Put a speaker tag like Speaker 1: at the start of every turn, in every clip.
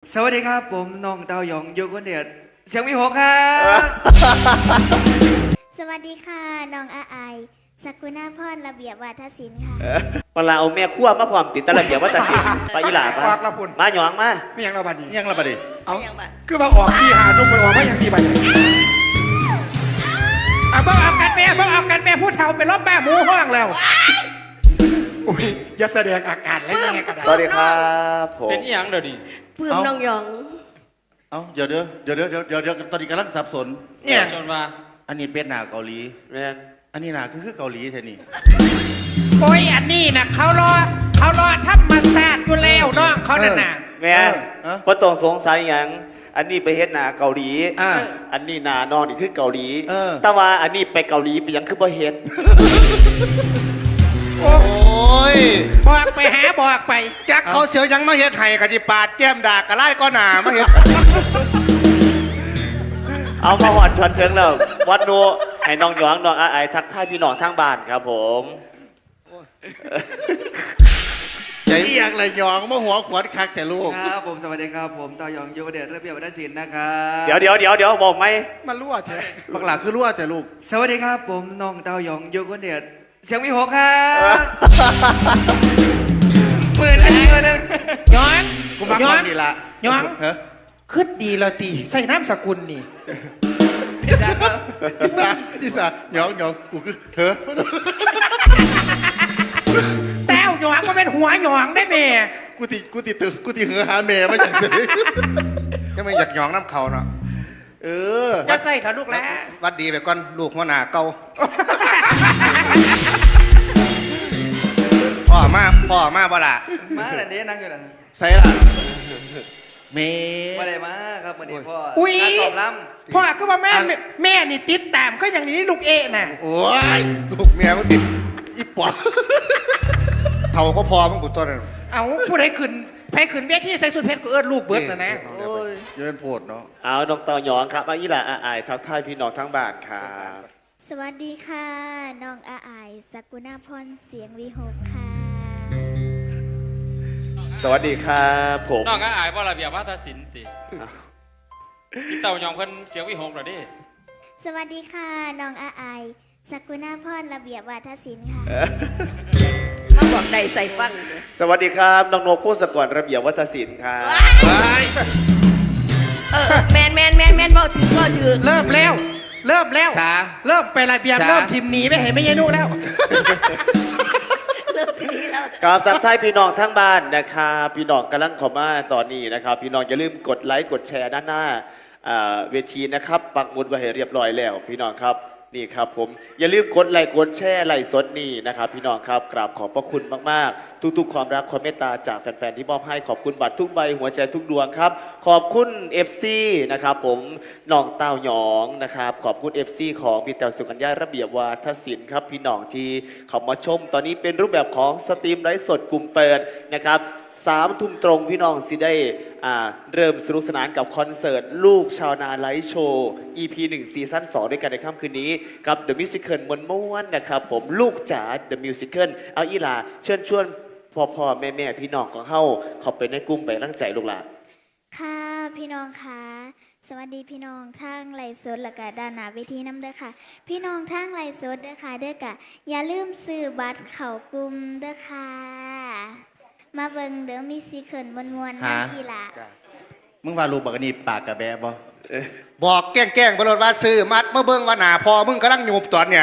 Speaker 1: สวัสดีครับผมน้องเต้ายองอยู่คนเดียวเสียงวิหกครับ
Speaker 2: สวัสดีค่ะน้องอาไอสกุณาพรระเบียบวาทศิลป์ค่ะ
Speaker 3: เวลาเอาแม่ขั้วมาพร้อมติดตะระเบียบว่าตัดสินไปอีหลา
Speaker 4: ออกละพุ่น
Speaker 3: มาหยองมา
Speaker 4: ไม่ยังเราบัดนี้
Speaker 5: ยังละบัดนี้
Speaker 4: เอาคือมาออกที่หาจุกไปออกไม่ยังดีบัดนี้เพิ่งเอากันแม่พูดเท่าเป็นรอบแม่หมูห้องแล้วอุ้ยอย่าแสดงอาการแล้วยังไงกัน
Speaker 3: สวัสดีครับผม
Speaker 6: เป็นอีหยังเดี๋ยวนี้
Speaker 7: ปื้มน้องหยอง
Speaker 5: เอาเดี๋ยวตอนนี้กำลังสับสน
Speaker 4: เนี่ย
Speaker 6: ชนว่า
Speaker 5: อันนี้เป็นหนาเกาหลี
Speaker 3: แม่น
Speaker 5: อันนี้หนาคือเกาหลีแท้นี่
Speaker 4: โอ้ยอันนี้นะเขารอธรรมศาสตร์อยู่แล้วน้องเขาน่ะนะ
Speaker 3: แม่นเพราะต้องสงสัยหยังอันนี้ไปเฮ็ดหนาเกาหลี อันนี้หนานองนี่คือเกาหลีแต่ว่าอันนี้ไปเกาหลีไปหยังคือบ่เฮ็ด
Speaker 5: โอ้ย
Speaker 4: บอกไปหาบอกไป
Speaker 5: จักเขาเสียวยังมาเฮ็ดไห้กะจิปาดแก้มดากกะไล่ก็หนามาเฮ็ด
Speaker 3: เอามาหอดชวนเชิงแล้ววัดโนให้น้องหยองน้องอาไอทักทายพี่น้องทางบ้านครับผม
Speaker 5: ใจเอียงเลยหยองมาหัวขวดคักแต่ลูก
Speaker 1: ครับผมสวัสดีครับผมเต้ายองอยู่คนเดียวระเบียบวัฒนศิลป์นะครับ
Speaker 3: เดี๋ยวบอกไหม
Speaker 4: มันรั่วแท้
Speaker 5: บักหลาคือรั่วแต่ลูก
Speaker 1: สวัสดีครับผมน้องเต้ายองอยู่คนเดียวเสียงวิหกครับ ปืนอะไรกันเนี่ย
Speaker 4: ย้อน
Speaker 5: กูมัก
Speaker 4: ย้อ
Speaker 5: คน นดีละ
Speaker 4: ย้อน
Speaker 5: เฮ้ย
Speaker 4: ขึ้นดีละตีใส่น้ำสกุลนี่
Speaker 5: อีสาหยองกูคือเฮ้ย
Speaker 4: แต้วหยองมันเป็นหัวหยองได้เมย์
Speaker 5: กูติเหือหาแม่มาจากไหนก็ไม่อยากหยองน้ำเขาเนาะ
Speaker 4: จะใส่เถอะลูกแล้ว
Speaker 5: วัดดีไปก่อนลูกหัวหน้าเก่าพ่อมาบ่ล่ะ
Speaker 1: มาแต่นี้นั่งอยู่นั่น
Speaker 5: ใส่ล่ะเม
Speaker 1: มาได้มาครับวันนี้พ่อ
Speaker 4: อุ้ย
Speaker 1: งานตอบรับ
Speaker 4: พ่อก็ว่าแม่นี่ติดตามก็อย่างนี้ลูกเอะน่ะ
Speaker 5: โอ้ยลูกเมียมันติดอีปอบเท่าก็พอมั้งกูต้นนั้น
Speaker 4: เอาผู้ใดขึ้นไปขึ้นเวทีใส่สุดเพชรก็เอิ้นลูกเบิดนะนะ
Speaker 5: โอ้ยเยินโพดเนาะ
Speaker 3: เอาน้องเต่าหยองครับมาอีหลาอาไอทักทายพี่น้องทางบ้านครับ
Speaker 2: สวัสดีค่ะน้องอาไอสกุณาพรเสียงวิหกค่ะ
Speaker 3: สวัสดีครับผม
Speaker 6: น้องก็อายว่าระเบียบวัฒนศิลป์ติพี่เต่ายองเพิ่นเสียงวิหกเหรอดิ
Speaker 2: สวัสดีค่ะน้องอาไอสกุณาพรระเบียบวาทศิลป์ค่ะ
Speaker 7: มาบอกใดใส่ฟัง
Speaker 3: สวัสดีครับน้องนกผู้สกรระเบียบวัฒนศิลป์ครับ
Speaker 7: แมนเมาถือ
Speaker 4: เริ่มแล้วเริ่มไประเบียบเริ่มทีมหนีไปเห็นไม่ยัยนุแล้ว
Speaker 7: เริ่มทีนี้แล้ว
Speaker 3: ครับทักทายพี่น้องทั้งบ้านนะครับพี่น้องกำลังเข้ามาตอนนี้นะครับพี่น้องอย่าลืมกดไลค์กดแชร์ด้านหน้าเวทีนะครับปักหมุดไว้ให้เรียบร้อยแล้วพี่น้องครับนี่ครับผมอย่าลืมกดไลค์กดแชร์ไลค์สดนี่นะครับพี่น้องครับกราบขอบพระคุณมากๆทุกๆความรักความเมตตาจากแฟนๆที่มอบให้ขอบคุณบัตรทุกใบหัวใจทุกดวงครับขอบคุณ FC นะครับผมน้องเต้าหยองนะครับขอบคุณ FC ของพี่แต้วสุกัญญาระเบียบวาทศิลป์ครับพี่น้องที่เข้ามาชมตอนนี้เป็นรูปแบบของสตรีมไลฟ์สดกลุ่มเปิดนะครับ3 ทุ่มตรงพี่น้องสิได้เริ่มสนุกสนานกับคอนเสิร์ตลูกชาวนาไลฟ์โชว์ EP 1 ซีซั่น 2 ด้วยกันในค่ำคืนนี้กับ The Musical ม้วนๆนะครับผมลูกจ๋า The Musical เอาอีหลาเชิญชวนพ่อแม่พี่น้องของเฮาเข้าไปในกลุ่มไปร่างใจลูกหลาน
Speaker 2: ค่ะพี่น้องค่ะสวัสดีพี่น้องทางไลฟ์สดและก็ด้านหน้าเวทีน้ำเด้อค่ะ พี่น้องทางไลฟ์สดเด้อค่ะเด้อกะอย่าลืมซื้อบัตรเข้ากลุ่มเด้อค่ะมาเบิ่งเด้อมีซีเคิลมวนๆนะพี่ละ
Speaker 5: มึงว่าลูกบักอันนี่ปากกะแบะบ่บอกแกล้งบรถว่าซื้อมัดเมื่อเบิ่งว่าหนาพอมึงกำลังหยูบตอนเนี่ย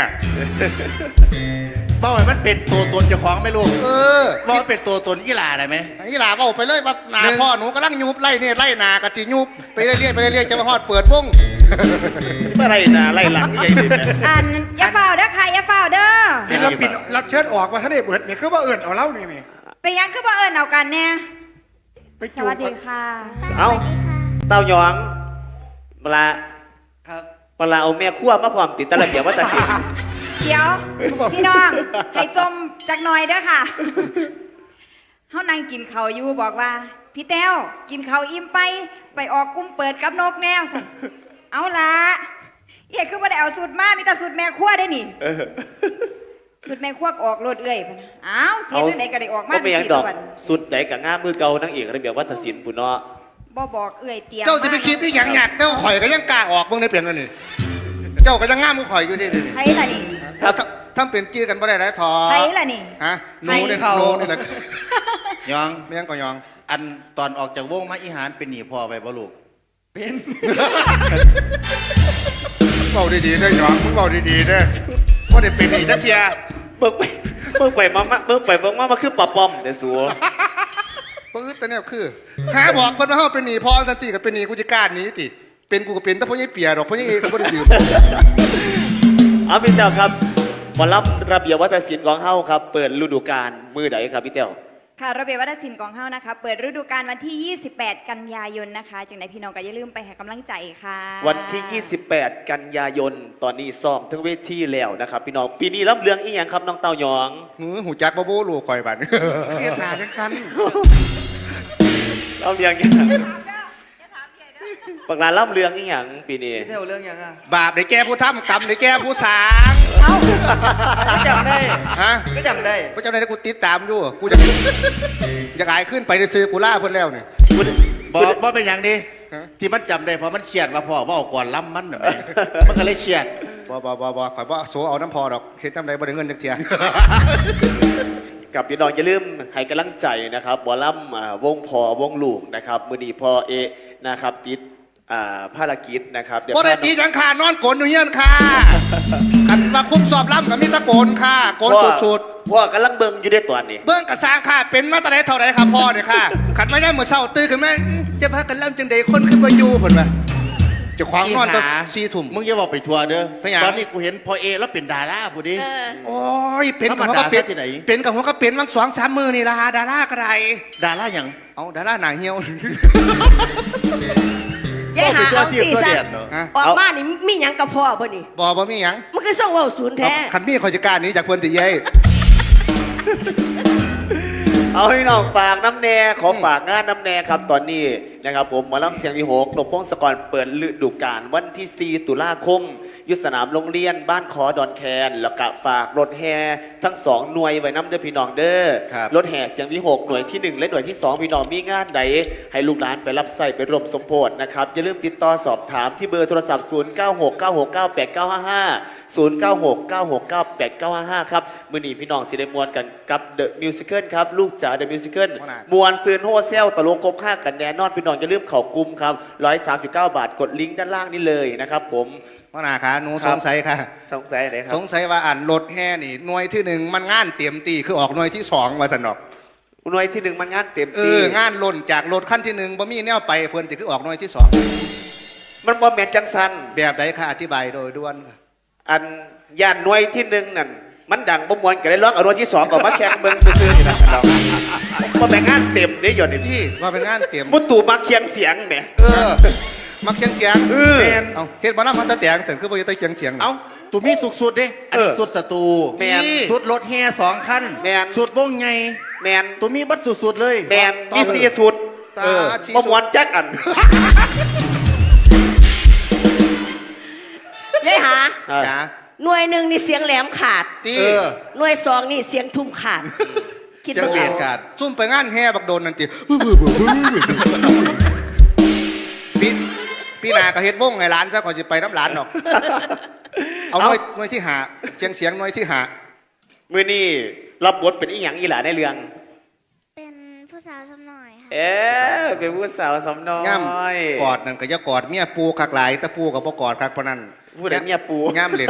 Speaker 5: บ่ให้มันเป็นตัวตนเจ้าของไหม่ลูกว่ามันเป็นตัวตนอีหลาได้ไหมอีหลาบอกไปเลยว่าหนาพ่อหนูกำลังหยูบไล่เนี่ยไล่หนากะจิหยูบไปเรื่อยๆจะมาฮอดเปิดวง
Speaker 3: เมื่อไรนะไล่หลังใหญ่ดิเนี่ย
Speaker 7: อย่าเฝ้าเด้อค่ะอย่าเฝ้าเด้อ
Speaker 4: ศิลปินรับเชิญออกมาท่านเอกเบิดเนี่ยคือว่าเอิญเอาเล่านี่
Speaker 7: ไปยังคือบ่เอิญเอากันเนี่ย
Speaker 4: ไป
Speaker 7: ส
Speaker 4: จู
Speaker 7: วัสดีค่ะ
Speaker 3: เอ้า
Speaker 2: สวัสดีค่ะ
Speaker 3: เต้าหยองเวลา
Speaker 1: ครับ
Speaker 3: เอาแม่ขั้วมาพร้อมติดตะระเบียบวัฒนศิลป์
Speaker 7: เดี๋ยวพี่น้องให้จมจักหน่อยเด้อค่ะเฮานั่งกินข้าวอยู่บอกว่าพี่แต้วกินข้าวอิ่มไปออกกลุ่มเปิดกับนกแนวสิเอาละเอียคือบ่ได้เอาสูตรมามีแต่สูตรแม่ครัวได้นี่สุดแม่ควักออกโลดเอ้ยพะนะอ้าวเทศไหนก็ได้ออกมา
Speaker 3: ก็ไม่ยังดอก
Speaker 7: วัน
Speaker 3: สุดไหนกับง่ามมือเก่านางเอกระเบียบวัฒนศิลป์ปุ่นเนาะ
Speaker 7: บ่บอกเอื่อยเตรียม
Speaker 5: เจ้าจะไปคิดที่หยังหยักเจ้าข่อยก็ยังกล้าออกเบิ่งได้เปลี่ยนวันนี้เจ้าก็ยังง่ามมือข่อยอยู่ดิ
Speaker 7: ไผล่ะนี่
Speaker 5: ถ้าเป็นจื้อกันบ่ได้แล้วทอ
Speaker 7: ไผล่ะนี่
Speaker 5: ฮะหนูเนี่ยหนูนี่แหละ
Speaker 8: ยอง
Speaker 5: ไม่ยังก็ยอง
Speaker 8: อันตอนออกจากวงมาอีหารเป็นหนีพ่อไปบ่ลูก
Speaker 1: เป็น
Speaker 5: เบาดีๆเด้อยองมึงเบาดีๆเด้อว่าได้เป็นอีกนักเทีย
Speaker 3: เบิ่งไปเบิ่งไปมาคือปะป้อมแต่สัว
Speaker 5: ปื๊ดแต่เนี่ยคือหาบอกเพิ่นว่าเฮาเป็นหนี้พอจังซี่ก็เป็นหนี้กูจะกล้าหนีติเป็นกูก็เป็นแต่พ่อใหญ่เปียดอกพ่อใหญ่เอก็บ่ได้ยืม
Speaker 3: เอาพี่เต้าครับหมอลำระเบียบวัฒนศิลป์ของเฮาครับ เปิดฤดูกาลมือใดครับพี่เต้า
Speaker 7: ค่ะระเบียบวัฒนศิลป์ของเฮานะคะ เปิดฤดูกาลวันที่ 28 กันยายนนะคะจังไดพี่น้องก็อย่าลืมไปให้กำลังใจค่ะ
Speaker 3: วันที่ 28 กันยายนตอนนี้ซ้อมทั้งเวทีแล้วนะครับพี่น้องปีนี้รับเรื่องอีหยังครับน้องเต้ายอง
Speaker 5: หูจักบ่บ่ลูกข่อยบัดเฮ็ดหน้าจังซั่น
Speaker 3: รับเรื่องอีหยังปากลารับเรื่องอีหยังปีนี้
Speaker 1: พี่เท่าเรื่องยังอ่ะ
Speaker 5: บาปได้แก่ผู้ทำกรรมได้แก่ผู้สาง
Speaker 1: ก็จำได้
Speaker 5: ฮะ
Speaker 1: ก็จำได้
Speaker 5: พระเจ้าในกูติดตามอยู่กูจะอยากอายขึ้นไปซื้อกูล่าเพิ่นแล้วนี่
Speaker 8: บ่เป็นอย่างดี
Speaker 5: ฮะ
Speaker 8: ที่มันจำได้เพราะมันเฉียดว่าพ่อว่าเอาก่อนล้ำมันน่ะแม่มันก็เลยเฉียด
Speaker 5: บ่ข่อยบ่โซเอาน้ำพอดอกเฮ็ดน้ำใดบ่ได้เงินจักเที่ย
Speaker 3: กับพี่น้องอย่าลืมให้กำลังใจนะครับบอลลัมวงพอวงลูกนะครับมือดีพอเอนะครับติดภารกิจนะครับเดี๋ยว
Speaker 5: บ่ได้ตีจังค่ะนอนโกนอยู่เฮียนค่ะคันว่าคุ้มสอบล้ำก็มีตะโกนค่ะโกนสุด
Speaker 3: พ่อกำลังเบิ่งอยู่ในตัวนี้
Speaker 5: ๆเบิ่งกระสร้างค่ะเป็นมาแต่ใดเท่าใดค่ะพ่อเนี่ยค่ะคันมาย่ามมื้อเช้าตื่นขึ้นมาจะพากันล้ำจังใดคนคือบ่อยู่เพิ่นว่าเจะขวางนอนตอน4 ทุ่ม
Speaker 8: มึงอย่าบอกไปทัวร์เด้อ
Speaker 5: ไปหยัง
Speaker 8: ตอนนี้กูเห็นพอเอแล้วเป็นดาราผู้ดี
Speaker 5: โอ้ยเป็นกับ
Speaker 8: ธรรม
Speaker 5: หัว
Speaker 8: ดา
Speaker 5: ก็เป็น
Speaker 8: ที่ไหน
Speaker 5: เป็นกับหัวก็เป็นวัน2-3 มื้อนี่ล่ะดาราก็ได้
Speaker 8: ดาราอย่าง
Speaker 5: เอาดาราหน้าเหี่ยว
Speaker 9: ยายหาเอาสี่
Speaker 8: ตัว
Speaker 9: ซะ
Speaker 8: เดียดเนาะ
Speaker 5: ฮะ
Speaker 9: ออกมานี่มีหยังกับพ่อบ่นี่
Speaker 5: บ่มีหยัง
Speaker 9: มันคือส่งเว่าศูนย์แท้
Speaker 5: คันมีข่อยจะกล้าหนี้จากเพิ่นติเย้ย
Speaker 3: เอาให้น้องฝากน้ำแน่ขอฝากงานน้ำแน่ครับตอนนี้นะครับผมหมาล่ำเสียงที่6นกพงศกรเปิดฤดูกาลวันที่4 ตุลาคมยุทธสนามโรงเรียนบ้านขอดอนแคนแล้วก็ฝากรถแห่ทั้ง2หน่วยไว้น้ำเด้อพี่น้องเด้อ
Speaker 8: ครับ
Speaker 3: รถแห่เสียงที่6หน่วยที่ 1 และหน่วยที่ 2 พี่น้องมีงานใดให้ลูกหลานไปรับใส่ไปร่วมสมโภชนะครับอย่าลืมติดต่อสอบถามที่เบอร์โทรศัพท์ 0969698955 ครับมื้อนี้พี่น้องสิได้มวนกันกับ The Musical ครับลูกจ๋า The Musical มวนซืนโฮเซลตะโลกครบค่ากันแน่นอนพี่น้องอย่าลืมเข้ากลุ่มครับ139 บาทกดลิงก์ด้านล่างนี้เลยนะครับผม
Speaker 5: พ่อหน้าค่ะหนู
Speaker 3: ครั
Speaker 5: ส
Speaker 3: บ
Speaker 5: งสัยค่ะ
Speaker 3: สงสัยอะไรครั
Speaker 5: ส
Speaker 3: บ
Speaker 5: งสัยว่ารถแห่นี่หน่วยที่ 1มันงานเตรียมตีคือออกหน่วยที่2ว่าซั่นดอก
Speaker 3: หน่วยที่ 1มันงานเต็ม
Speaker 5: เอ
Speaker 3: ที่
Speaker 5: องานล่นจากรถคันที่1บ่มีแนวไปเพิ่นสิคือออกหน่วยที่
Speaker 3: มันบ่แม่นจังสัน
Speaker 5: 2แบบใดค่ะอธิบายโดยด่วนค่ะ
Speaker 3: อันย่านหน่วยที่ 1นั่นมันดังบ่มวนก็ได้ร้องเอาหน่วยที่ 2ก็มาแข่งเบิ่งซื่อๆนี่นะครับบ่แม่นงานเต็มเด้หยดนี่
Speaker 5: พี่ว่าเป็นงานเตรียม
Speaker 3: มุตู่มาเคียงเสียงแหม
Speaker 5: เออมักเสียง
Speaker 3: เออ
Speaker 5: แม่นเอาเฮ็ดบ่นำมันจะแตงซั่นคือบ่ได้เสียง
Speaker 8: เอ้าตัวมีสุดๆเด้อันนี้สุดศัตรู
Speaker 3: แม่น
Speaker 8: สุดรถแห่2 คัน
Speaker 3: แม่น
Speaker 8: สุดวงไง
Speaker 3: แมน
Speaker 8: ตัวมีบัดสุดๆเลย
Speaker 3: แมนมีสีสุด
Speaker 5: ตาชี้
Speaker 3: บ่มวนจักอัน
Speaker 9: ยายหา
Speaker 5: จ๋า
Speaker 9: หน่วยหนึ่งนี่เสียงแหลมขาด
Speaker 5: ตี
Speaker 8: เออ
Speaker 9: หน่วยสองนี่เสียงทุ่มขาด คิด
Speaker 8: เสียง
Speaker 9: บ่
Speaker 8: เบีย
Speaker 9: เอา
Speaker 8: ดกัน
Speaker 5: ซุ่มไปงานแห่บักโดนนั่นติพี่นาก็เฮ็ดวงให้หลานซะก่อนสิไปน้ำหลานดอก เอาหน่วยที่หาเสียงหน่วยที่หา
Speaker 3: มื้อนี้รับบทเป็นอีหยังอีหล่าในเรื่อง
Speaker 2: เป็นผู้สาวสำหน่อยค่ะ
Speaker 3: เป็นผู้สาวสำน้อย
Speaker 5: ง่ำกอดนั่นก็อย่ากอดเมียปูคักหลายแต่ปูก็บ่กอดคักปานนั้น
Speaker 3: ผู้ใดเมียปู
Speaker 5: ง่ำเล่น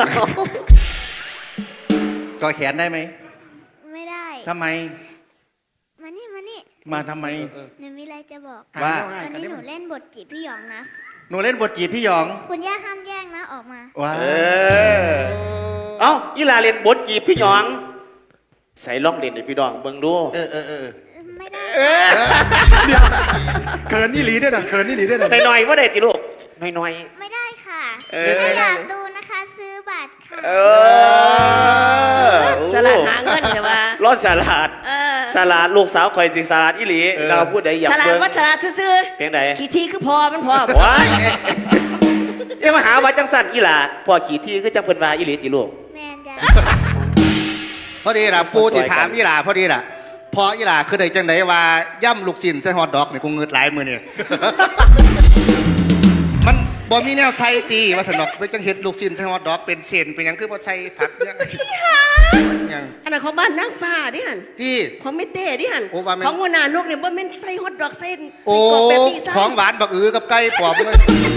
Speaker 8: ก่อแขนได้ไหม
Speaker 2: ไม่ได้
Speaker 8: ทำไม
Speaker 2: มานี่
Speaker 8: มาทำไม
Speaker 2: หนูมีอะไรจะบอก
Speaker 8: ว่า
Speaker 2: วันนี้หนูเล่นบทจีบพี่หยองนะ
Speaker 8: หนูเล่นบทจีบพี่หยอง
Speaker 2: คุณย่าห้ามแย่งนะออกมา
Speaker 8: ว้า
Speaker 3: เอ้าอีหล่าเล่นบทจีบพี่หยอง ใส่ล่องเล่นให้พี่น้องเบิ่งดู
Speaker 8: เออ
Speaker 2: ไม่ได้
Speaker 4: เขินนี่หลีได้ดังเขินนี่หลีได้ดัง
Speaker 3: หน่อยๆว่าได้ติลูกหน่อย
Speaker 2: ไม่ได้ค่ะ
Speaker 3: เออ
Speaker 2: ถ้าอยากดูนะคะซื้อบัตรค่ะ
Speaker 3: ๆ
Speaker 9: สลัดหาเงินแต่ว่า
Speaker 3: รอดสลัด
Speaker 9: เออ
Speaker 3: สลัดลูกสาวข่อยสิสลัดอีหลีเราพูดได้อยาก
Speaker 9: สลัด
Speaker 3: เบิ่ง
Speaker 9: ว่าสลัดซื่อ
Speaker 3: เพียงใด
Speaker 9: ๆกี่ทีคือพอมันพอ
Speaker 3: ว้ายเอ้มาหาว่าจังสั่นอีหล่าพ่อขี่ที่คือจังเพิ่นว่าอีหลีติลูก
Speaker 2: แมนจ้ะ
Speaker 5: พอดีล่ะปูที่ถามนี่ล่ะพอดีล่ะพออีหล่าคือได้จังไดว่าย่ำลูกชิ้นใส่ฮอทดอกนี่กูเงิดหลายมื้อนี่ มันบ่มีแนวใส่ตีว่าสนอกไปจังเฮ็ดลูกชิ้นใส่ฮอทดอกเป็นเส้นเป็นหยังคือบ่ใส่ผักเนี่ยหยัง
Speaker 9: อันนั้นของบ้านนางฟ้าดิหัน
Speaker 5: ที่
Speaker 9: ของไม่เต้ดิหัน
Speaker 5: โอ้ว่าแม่น
Speaker 9: ของหัวหน้านกเนี่ยบ่แม่นใส่ฮอทดอกใส่
Speaker 5: โอ้
Speaker 9: ใส่กรอกแบบนี้ซะ
Speaker 5: ของหวานบักอือกับไก่ปลอมเลย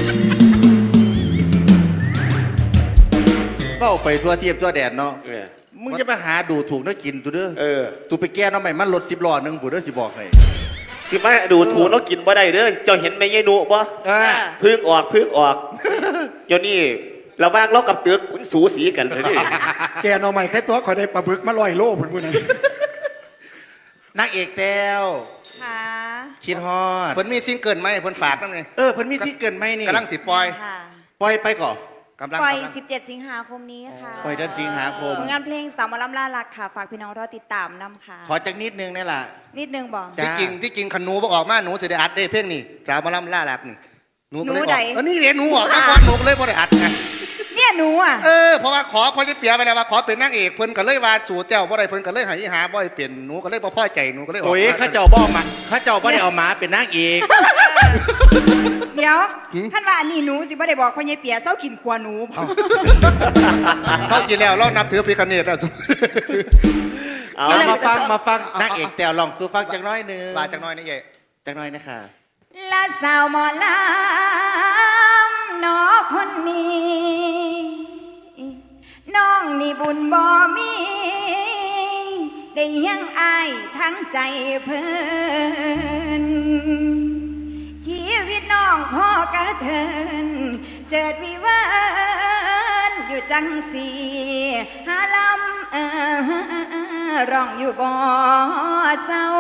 Speaker 8: เว้าไปทั่วเทียบทั่วแดนเนาะ
Speaker 3: เออ
Speaker 8: มึงจะไปหาดูถูกนักกินตัวเด้อ
Speaker 3: เออ
Speaker 8: ตูไปแก้น้องใหม่มันรถ10 ล้อหนึงผู้เด้อสิบอกให้
Speaker 3: สิมาดูถูกแล้วกินบ่ได้เด้อเจ้าเห็นแม่ยายหนูบ่
Speaker 8: เออ
Speaker 3: พึ่งออกเดี๋ยวนี้ระหว่างเรากับตึกมันสูสีกันเลยดิ
Speaker 4: แกหน่อใหม่แค่ตัวขอได้ปลาบึกมา100 โลผลบุญนั้น
Speaker 8: นางเอกแต้ว
Speaker 7: ค่ะ
Speaker 8: คิดฮอด
Speaker 5: เพิ่นมีซิงเกิลไหมเพิ่นฝากนำนี่
Speaker 8: เพิ่นมีที่เกินไหมนี่
Speaker 5: กำลังสิปล่อย
Speaker 7: ค่ะ
Speaker 8: ปล่อยไปก่อน
Speaker 5: กำลัง
Speaker 7: ปล่อย
Speaker 5: กำลัง
Speaker 7: 17 สิงหาคมนี้ค่ะ
Speaker 8: ปล่อยเดือนสิงหาคม
Speaker 7: ผลงานเพลงสาวหมอลำล่ารักค่ะ ฝากพี่น้องรอติดตามนำค่ะ
Speaker 8: ขอจักนิดนึงนี่ล่ะ
Speaker 7: นิดนึงบอก
Speaker 8: จ้ะ
Speaker 5: ที่จริงคันหนูบ่ออกมาหนูสิได้อัดได้เพลงนี้สาวหมาล่ำล่าหลักนี่หนูบ่ได้อ
Speaker 7: หนูใด
Speaker 5: อกนี่เรียนหนูออกมาก่อนหนูก็เลยบ่ได้อัดไง
Speaker 7: เนี่ยหนูอ่ะ
Speaker 5: เพราะว่าขอพอจะเปียไปแล้วว่าขอเป็นนางเอกเพิ่นก็เลยว่าสู่แต้วบ่ได้เพิ่นก็เลยให้หาบ่ให้เป็นหนูก็เลยบ่พอใจหนูก็เลยออก
Speaker 8: โอ้ย
Speaker 5: มา
Speaker 8: ข้าเจ้าบ่มาข้าเจ้าบ่ได้เอาหมาเป็นนางเอก
Speaker 7: เดี๋ยวขั้นว่าอันนี้หนูสิบ่ได้บอกพ่อใหญ่เปียเศร้ากินขวหนู
Speaker 5: เขากินแล้วเรานับถือพิคเนตแล้ว
Speaker 3: เอา
Speaker 8: เอามาฟังนางเอกแต้วลองสู้ฟังจักหน้อยหนึง
Speaker 5: ลาจักหน้อยนี่ใหญ่
Speaker 8: จักหน้อยนะคะ
Speaker 7: และสาวหมอลำน้อคนนี้ น้องนี่บุญบ่มี ได้ยังอายทั้งใจเพิ่นชีวิตน้องพ่อกระเทิน เจิดวิเวินอยู่จังสีหาลำร้องอยู่บ่เศร้า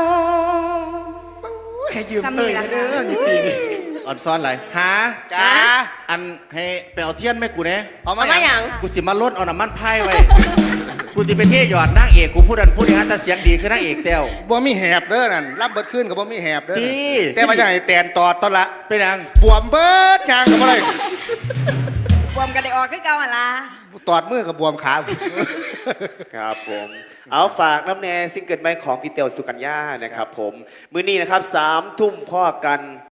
Speaker 4: ให้ยืมเตยมาเด้อนี่ปีนี้
Speaker 8: อ่อนซ้อนอะไรหา
Speaker 5: จ้า
Speaker 8: อันให้ไปเอาเทียนแม่กูเนี่ย
Speaker 5: เอา
Speaker 9: เอา
Speaker 5: มา
Speaker 9: มา
Speaker 5: อ
Speaker 9: อย่าง
Speaker 8: กูสิมาลดเอาน้ำมันพายไว้ กูสิไปเที่ยหยอดนางเอกกูพูดอันพูดอย่างนั้นแต่เสียงดีคือนางเอกแต้ว
Speaker 5: บ่มีแหบเด้อนั่นรับเบิดขึ้นก็บ่มีแหบเด้อ
Speaker 8: ดี
Speaker 5: แต่ว่าอย่างไอ้แตนตอดตอนละ
Speaker 8: เป็นยัง
Speaker 5: บวมเบิดยางก็บ่ได้
Speaker 7: บวมกันได้ออกคือเก่าหั่นล่ะ
Speaker 5: ตอดมือกับบวมขา
Speaker 3: ครับผม เอาฝากน้ำแน่ซิงเกิลใหม่ของพี่เตียวสุกัญญานะครับผม มื้อนี้นะครับ3 ทุ่มพ่อกัน